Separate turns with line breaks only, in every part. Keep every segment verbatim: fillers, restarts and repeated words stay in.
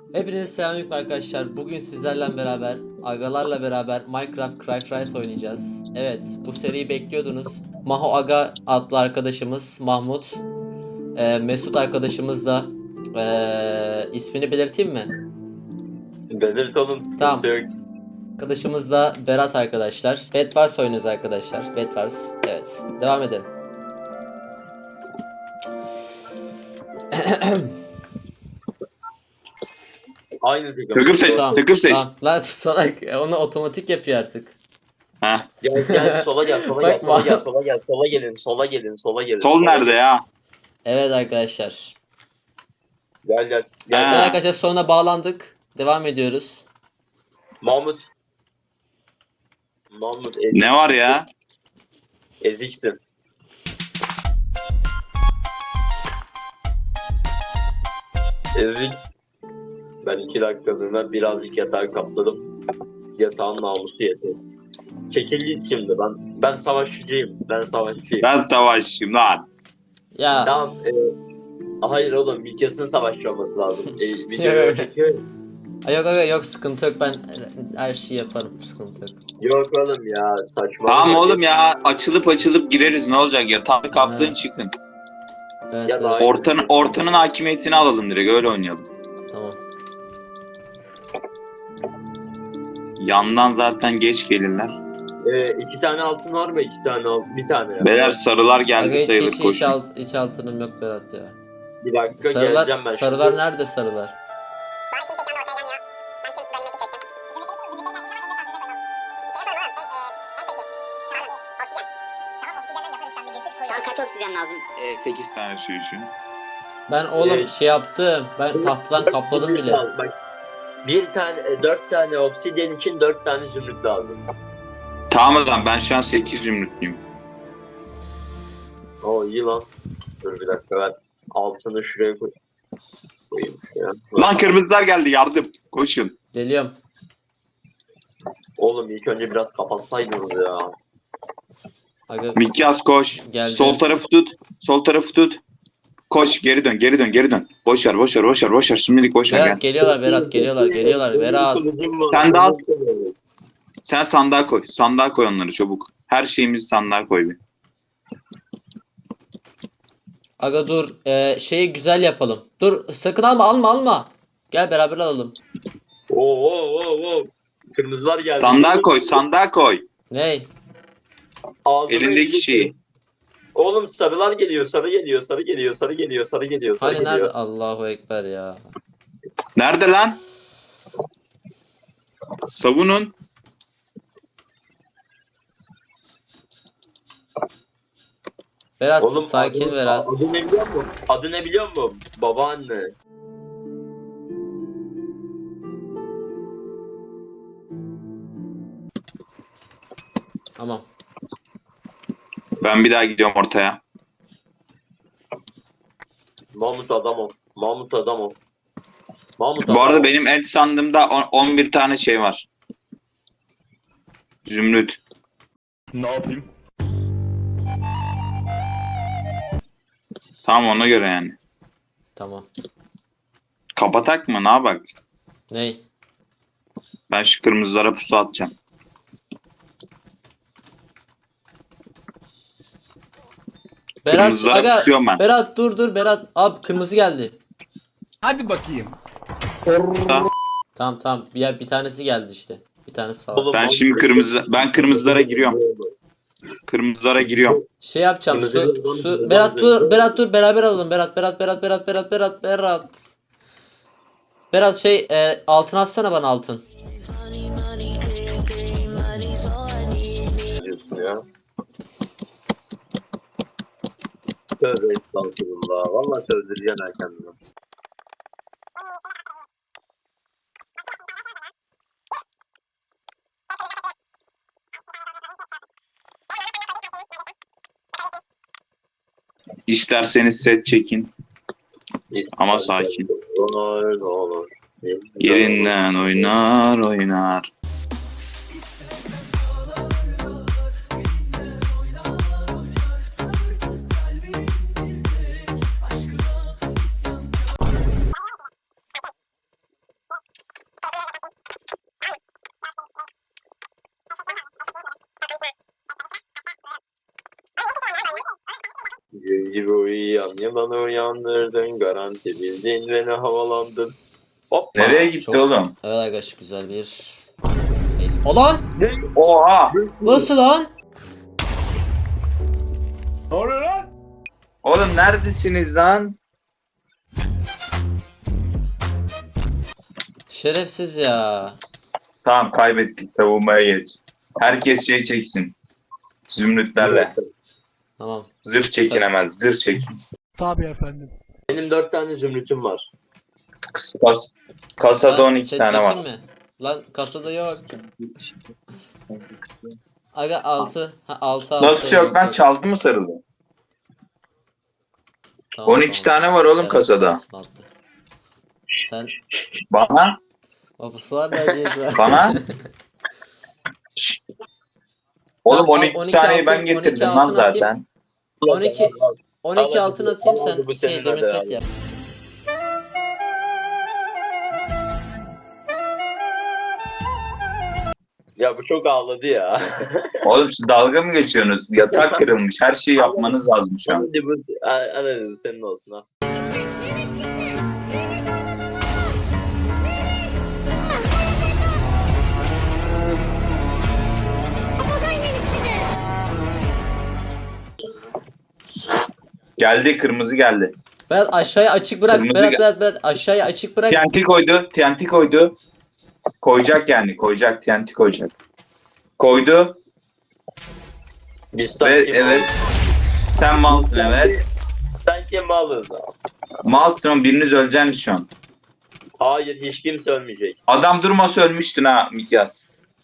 Hepinize selamünaleyküm arkadaşlar. Bugün sizlerle beraber, agalarla beraber Minecraft Cry Rise oynayacağız. Evet, bu seriyi bekliyordunuz. Maho Aga adlı arkadaşımız Mahmut. Ee, Mesut arkadaşımız da ee, ismini belirteyim mi?
Belirt oğlum, sıkıntı
Tamam.
yok.
Arkadaşımız da Berat arkadaşlar. Bedwars oynuyoruz arkadaşlar. Bedwars. Evet. Devam edelim.
Aynı takım.
Takım seç.
Tamam.
Takım seç.
Tamam. Lan salak. Onu otomatik yapıyor artık.
Ha.
Gel gel sola gel sola gel
Bakma.
sola gel sola gel sola gelin sola gelin sola gelin.
Sol
sola
nerede
gelin.
ya?
Evet arkadaşlar.
Gel gel.
Ha.
Gel.
Evet arkadaşlar sonra bağlandık. Devam ediyoruz.
Mahmut. Mahmut ezik,
Ne var ya?
eziksin. Ezik. Ben iki dakikalığına birazcık yatağı kapladım. Yatağın namusu yeter. Çekil git şimdi, ben ben savaşçıyım. Ben savaşçıyım.
Ben savaşçıyım lan.
Ya
Tamam. E, hayır oğlum, Mikyas'ın savaşçı olması lazım. E,
Evet.
videoyu çekiyor.
Ay yok yok yok sıkıntı yok, ben her şeyi yaparım, sıkıntı yok.
Yok oğlum ya, saçma.
Tamam oğlum ya, açılıp açılıp gireriz, ne olacak ya? Tam kaptın
Ha.
çıkın.
Evet,
Ya
evet,
da-
Ortanın ortanın hakimiyetini alalım, direkt öyle oynayalım.
tamam.
Yandan zaten geç gelirler.
E, iki tane altın var mı? İki tane al. Bir tane ya.
Beyler sarılar geldi
Aga hiç,
sayılır,
hiç, hiç,
koşun.
alt, hiç altınım yok Berat ya.
Bir dakika
Sarılar,
geleceğim ben.
sarılar
şimdi.
nerede sarılar?
Ben kimse şu anda ortaya gelmiyor. Ben kim ben yine çektim. Zümrüt'e zümrüt'e geldiği zaman eline saldırıyor böyle. Şey yapalım oğlum. En, e, en taşı. Tamam. Obsidian. Tamam, obsidiyenden yaparız, sen bir getir koy.
Şu an kaç obsidyen lazım?
sekiz tane şu için.
Ben oğlum
Ee,
şey yaptım. Ben tahtadan kapladım bile.
Bak, bir tane, e, dört tane obsidyen için dört tane zümrüt lazım.
Tamam o zaman, ben şu an sekiz zümrütlüyüm.
Oo iyi lan. Dur bir dakika, ben altını şuraya koy. Koyayım şuraya.
Lan kırmızılar geldi, yardım. Koşun.
Geliyorum.
Oğlum ilk önce biraz kapatsaydınız ya.
Aga
Mikyas koş.
Geldi.
Sol tarafı tut. Sol tarafı tut. Koş, geri dön, geri dön, geri dön. Boş ver, boş ver, boş ver, boş ver. Şimdilik boş ver,
Berat
gel.
geliyorlar, Berat geliyorlar, geliyorlar. Berat.
Sen de al. Sen sandığa koy. Sandığa koy onları çabuk. Her şeyimizi sandığa koy bir.
Aga dur, ee, şeyi güzel yapalım. Dur sakın alma, alma, alma. Gel beraber alalım.
Oo oo oo oo. Kırmızılar geldi.
Sandığa koy, sandığa koy.
Ney?
Ağzıma
Elindeki
elini-
şeyi.
Oğlum sarılar geliyor, sarı geliyor, sarı geliyor, sarı geliyor, sarı geliyor, sarı
Hani
geliyor.
nerede? Allahu Ekber ya.
Nerede lan? Savunun.
Berat
Oğlum
sakin
adı,
Berat.
Adı ne biliyor musun? Adı ne biliyor musun? Babaanne.
Tamam.
Ben bir daha gidiyorum ortaya.
Mahmut adam ol. Mahmut adam ol. Mahmut
Bu
adam
arada
ol.
benim el sandığımda on- on bir tane şey var. Zümrüt.
Ne yapayım?
Tamam, ona göre yani.
Tamam.
Kapatak mı? Ne yapak?
Ney?
Ben şu kırmızılara pusu atacağım.
Berat
Kırmızılara
aga
pusuyorum ben.
Berat dur dur Berat. Abi kırmızı geldi.
Hadi bakayım.
Tamam tamam. Bir, bir tanesi geldi işte. Bir tanesi sağ ol.
Oğlum,
Ben
Mahmut-
şimdi kırmızı ben kırmızılara giriyorum. Kırmızılara giriyorum.
Şey yapacağım.
Kırmızı
Su,
bir-
su
bir-
Berat
bir-
dur Berat dur beraber alalım. Berat Berat Berat Berat Berat Berat Berat. Berat şey e, altın atsana bana altın.
diyorsun ya. Tövbe estağfurullah. Vallahi sövdüreceksin ha kendini.
İsterseniz set çekin. Ama sakin.
Olur olur.
Yerinden oynar oynar.
gibi uyuyan yılanı uyandırdın. Garanti bildin beni havalandın. Hoppa.
Nereye gitti
çok-
oğlum?
Evet arkadaşlar güzel bir... Neyse. O lan!
Oha!
Nasıl lan?
Ne oluyor lan?
Oğlum neredesiniz lan?
Şerefsiz ya.
Tamam kaybettik, savunmaya geç. Herkes şey çeksin. Zümrütlerle.
Tamam.
Zırh çekin hemen. Zırh çekin.
Benim dört tane zümrütüm var.
Kas, kasada
Lan,
on iki
set
tane var.
çekeyim mi? Lan kasada yok. Aga altı. Ha altı altı.
Nasıl yok lan, çaldı mı sarılı?
Tamam,
on iki
tamam.
tane var oğlum
Evet,
kasada.
altı, altı. Sen
Bana?
vapuslar vereceğiz.
Bana? Şşt. Oğlum
Tamam,
on iki
on iki
taneyi ben
altın- on iki
getirdim lan
altın atayım.
zaten.
on iki on iki
Al
altın
hadi,
atayım
al
sen
hadi, bu
şey
senin
demir
hadi
set
abi.
yap.
Ya bu çok ağladı ya.
Oğlum siz dalga mı geçiyorsunuz? Yatak kırılmış. Her şeyi yapmanız lazım şu an.
Hadi bu hadi senin olsun ha.
Geldi, kırmızı geldi.
Berat aşağıya açık bırak.
Kırmızı
Berat
gel-
Berat Berat aşağıya açık bırak.
T N T koydu. T N T koydu. Koyacak yani. Koyacak. T N T koyacak. Koydu.
Biz
Ve
sanki
evet. Sen malsın evet.
Sen kim malız?
Malsın oğlum, biriniz öleceksiniz şu an.
Hayır hiç kimse ölmeyecek.
Adam durmasa ölmüştün ha Mikyas.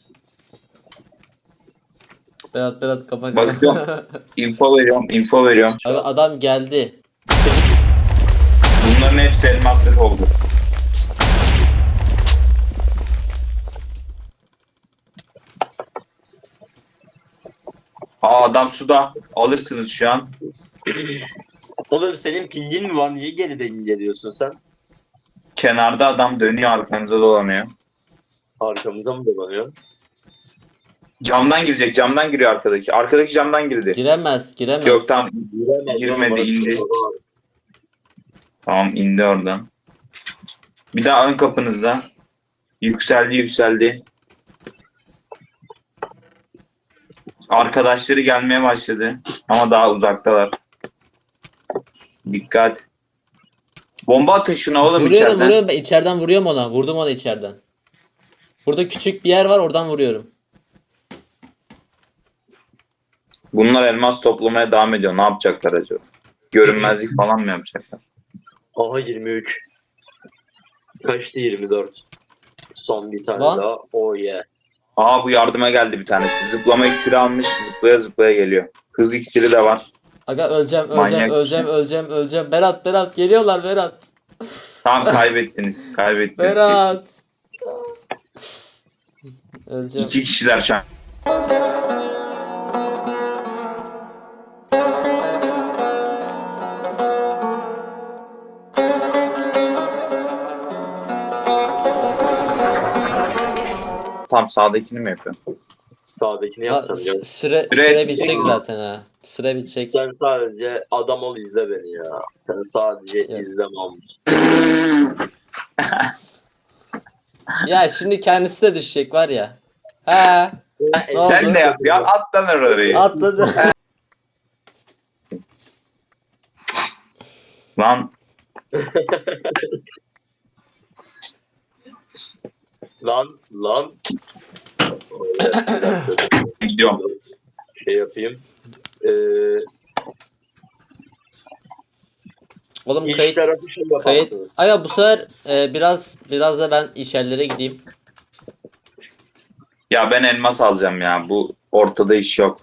Berat Berat kafa
Bakıyorum. Info veriyorum. Info veriyorum.
Abi adam geldi.
Bunların hepsi elmaslık oldu. Aa adam suda. Alırsınız şu an.
Oğlum senin pingin mi var? Niye geriden geliyorsun sen?
Kenarda adam dönüyor, arkanıza dolanıyor.
Arkamıza mı dolanıyor?
Camdan girecek. Camdan giriyor arkadaki. Arkadaki camdan girdi.
Giremez, giremez.
Yok tamam.
Giremez,
Girmedi,
oğlum,
indi.
orası-
Tamam indi oradan. Bir daha ön kapınızda. Yükseldi yükseldi. Arkadaşları gelmeye başladı. Ama daha uzaktalar. Dikkat. Bomba atın şuna oğlum
Vuruyorum,
içeriden.
vuruyorum. Ben içeriden vuruyorum ona. Vurdum ona içeriden. Burada küçük bir yer var, oradan vuruyorum.
Bunlar elmas toplamaya devam ediyor. Ne yapacaklar acaba? Görünmezlik falan mı yapacaklar?
Aha yirmi üç. Kaçtı yirmi dört. Son bir tane
Lan.
daha. Oh yeah.
Aa bu yardıma geldi bir tanesi. Zıplama iksiri almış. Zıplaya zıplaya geliyor. Hız iksiri de var.
Aga öleceğim, öleceğim,
Manyak.
öleceğim, öleceğim, öleceğim. Berat, Berat geliyorlar Berat.
Tamam kaybettiniz. Kaybettiniz.
Berat. Öleceğim.
İki kişiler şu an. Tam sağdakini mi yapıyorsun?
Sağdakini
Ha,
yapacağım.
s-
Ya.
süre,
Süre-
süre bitecek zaten ha. Süre bitecek.
Sen sadece adam ol izle beni ya. Sen sadece
Evet.
izle Mahmut.
Ya şimdi kendisi de düşecek var ya. Ha, Ne oldu?
Sen de yap ya. At lan orayı.
atladı.
Lan
Lan lan. Bir dakika,
gidiyorum.
şey yapayım. Ee,
Oğlum
iç
kayıt
tarafı şey
kayıt.
yaparsınız.
Aga bu sefer e, biraz biraz da ben içerilere gideyim.
Ya ben elmas alacağım ya. Bu ortada iş yok.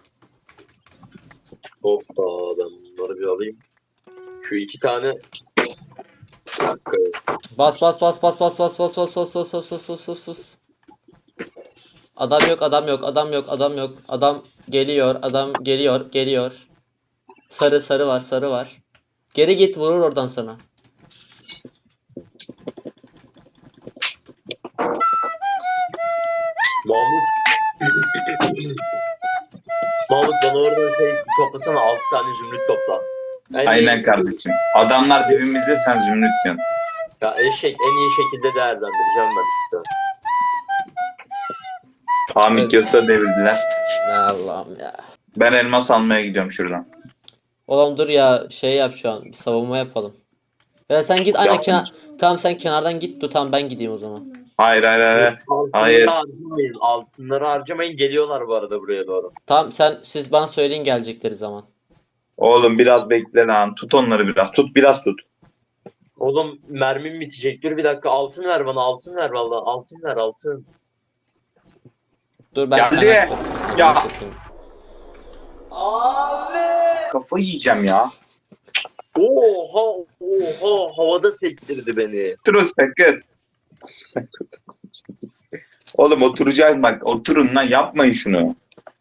Hoppa ben bunları bir alayım. Şu iki tane. Bir dakika.
Bas bas bas bas bas bas bas bas bas bas bas bas bas bas bas. Adam yok, adam yok, adam yok, adam yok. Adam geliyor, adam geliyor, geliyor. Sarı sarı var, sarı var. Geri git, vurur oradan sana.
Mahmut. Mahmut bana oradan şey toplasana altı tane zümrüt topla. En
Aynen
iyi-
kardeşim. Adamlar dibimizde, sen zümrüt diyorsun.
Ya eşek en iyi şekilde değerlendireceğim ben işte.
Tamam
Evet.
ilk yasa devirdiler.
Ya Allah'ım ya.
Ben elmas almaya gidiyorum şuradan.
Oğlum dur ya, şey yap şu an. Bir savunma yapalım. Ya sen git aynen
Yapma.
kenar. Tamam sen kenardan git, dur tamam ben gideyim o zaman.
Hayır hayır hayır.
Altınları
Hayır.
harcamayın. Altınları harcamayın. Geliyorlar bu arada buraya doğru.
Tamam sen siz bana söyleyin gelecekleri zaman.
Oğlum biraz bekle lan. Tut onları biraz. Tut biraz tut.
Oğlum mermim bitecek. Dur bir dakika altın ver bana. Altın ver valla. Altın ver altın.
Dur ben
Geldi.
kenar-
Ya.
Satayım.
Kafayı yiyeceğim ya.
Oha oha havada sektirdi beni.
Oturun sakın. Oğlum oturacağız bak. Oturun lan, yapmayın şunu.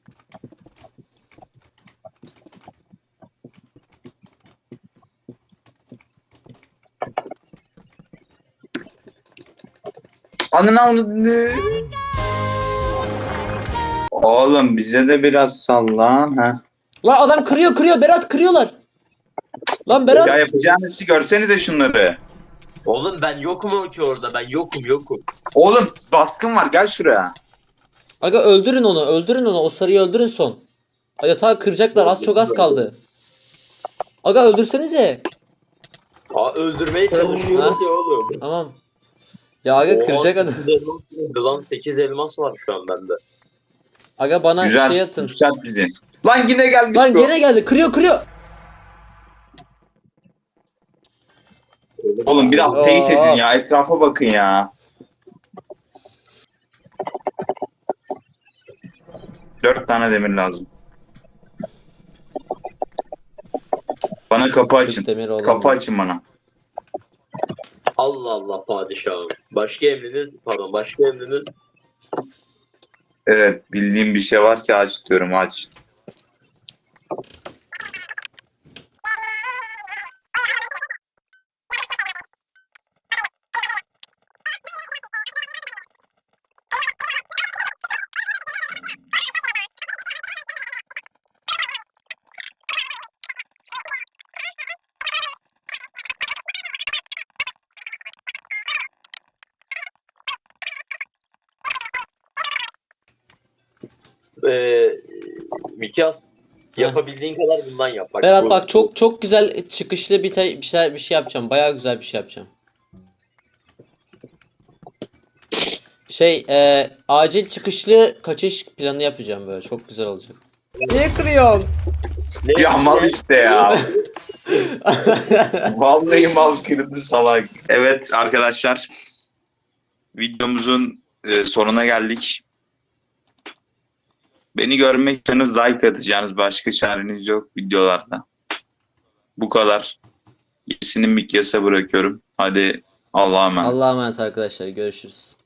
Anını avradını. Oğlum bize de biraz sallan ha.
Lan adam kırıyor kırıyor Berat, kırıyorlar. Lan Berat.
Ya yapacağınız işi görsenize şunları.
Oğlum ben yokum ki orada. Ben yokum yokum.
Oğlum baskın var, gel şuraya.
Aga öldürün onu, öldürün onu, o sarıyı öldürün son. Yatağı kıracaklar, az çok az kaldı. Aga öldürsenize.
Aa öldürmeye çalışıyoruz
Ha?
ya oğlum.
Tamam. Ya aga
Oha,
kıracak adam.
sekiz elmas geldi lan sekiz elmas var şu an bende.
Aga bana
Güzel.
şey atın.
Yükselt bizi. Lan yine gelmiş
Lan
bu.
gene geldi, kırıyor kırıyor.
Oğlum biraz
Oo.
teyit edin ya. Etrafa bakın ya. Dört tane demir lazım. Bana kapı açın.
Demir oğlum.
Kapı açın bana.
Allah Allah padişahım. Başka emriniz pardon başka emriniz.
Evet, bildiğim bir şey var ki aç diyorum, aç.
Ee, Mikyas yapabildiğin kadar bundan yap. Bak,
Berat
bu-
bak çok çok güzel çıkışlı bir, te- bir şey bir şey yapacağım. Bayağı güzel bir şey yapacağım. Şey, e, acil çıkışlı kaçış planı yapacağım böyle. Çok güzel olacak. Niye kırıyorsun?
Ne-
Ya mal
ne-
işte ya. Vallahi mal kırdı salak. Evet arkadaşlar. Videomuzun e, sonuna geldik. Beni görmek istiyorsanız like atacağınız başka çareniz yok videolarda. Bu kadar. Gerisini Mikyas'a bırakıyorum. Hadi Allah'a emanet.
Allah'a emanet arkadaşlar. Görüşürüz.